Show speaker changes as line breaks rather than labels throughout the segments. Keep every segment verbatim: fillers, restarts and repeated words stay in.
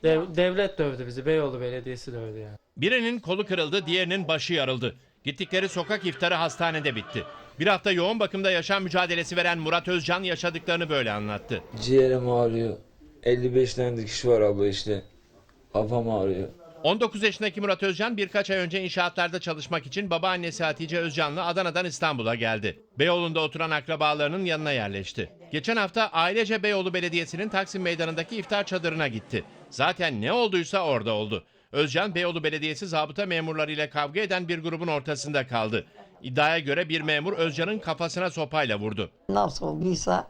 Dev, devlet dövdü bizi. Beyoğlu Belediyesi dövdü yani.
Birinin kolu kırıldı, diğerinin başı yarıldı. Gittikleri sokak iftarı hastanede bitti. Bir hafta yoğun bakımda yaşam mücadelesi veren Murat Özcan yaşadıklarını böyle anlattı.
Ciğerim ağrıyor. elli beş tane dikiş var abla işte. Kafam ağrıyor.
on dokuz yaşındaki Murat Özcan birkaç ay önce inşaatlarda çalışmak için babaannesi Hatice Özcan'la Adana'dan İstanbul'a geldi. Beyoğlu'nda oturan akrabalarının yanına yerleşti. Geçen hafta ailece Beyoğlu Belediyesi'nin Taksim Meydanı'ndaki iftar çadırına gitti. Zaten ne olduysa orada oldu. Özcan, Beyoğlu Belediyesi zabıta memurlarıyla kavga eden bir grubun ortasında kaldı. İddiaya göre bir memur Özcan'ın kafasına sopayla vurdu.
Nasıl olduysa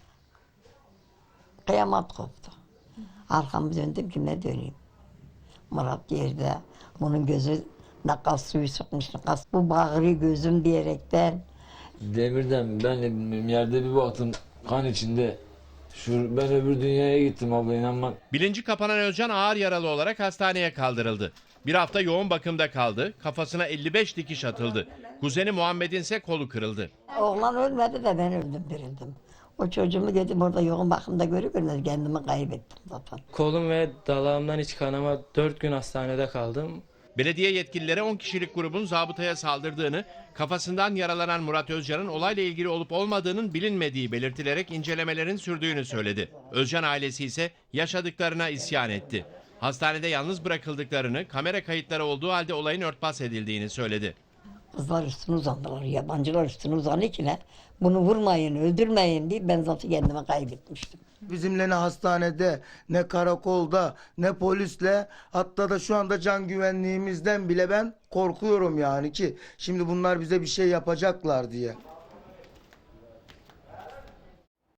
kıyamet koptu. Arkamı döndüm ki ne döneyim. Murat yerde. Bunun gözü ne kas suyu sıkmış ne kas. Bu bağırıyor gözüm diyerekten.
Demirden ben de bilmiyorum yerde bir baktım kan içinde. Şu, ben öbür dünyaya gittim abla inanma.
Bilinci kapanan Özcan ağır yaralı olarak hastaneye kaldırıldı. Bir hafta yoğun bakımda kaldı, kafasına elli beş dikiş atıldı. Kuzeni Muhammed'in ise kolu kırıldı.
Oğlan ölmedi de ben öldüm dirildim. O çocuğumu dedim orada yoğun bakımda görür görmez kendimi kaybettim zaten.
Kolum ve dalağımdan iç kanama dört gün hastanede kaldım.
Belediye yetkilileri on kişilik grubun zabıtaya saldırdığını, kafasından yaralanan Murat Özcan'ın olayla ilgili olup olmadığının bilinmediği belirtilerek incelemelerin sürdüğünü söyledi. Özcan ailesi ise yaşadıklarına isyan etti. Hastanede yalnız bırakıldıklarını, kamera kayıtları olduğu halde olayın örtbas edildiğini söyledi.
Kızlar üstüne uzandılar, yabancılar üstüne uzanıyor ki ne? Bunu vurmayın, öldürmeyin diye ben zaten kendimi kaybetmiştim.
Bizimle ne hastanede, ne karakolda, ne polisle, hatta da şu anda can güvenliğimizden bile ben korkuyorum yani ki şimdi bunlar bize bir şey yapacaklar diye.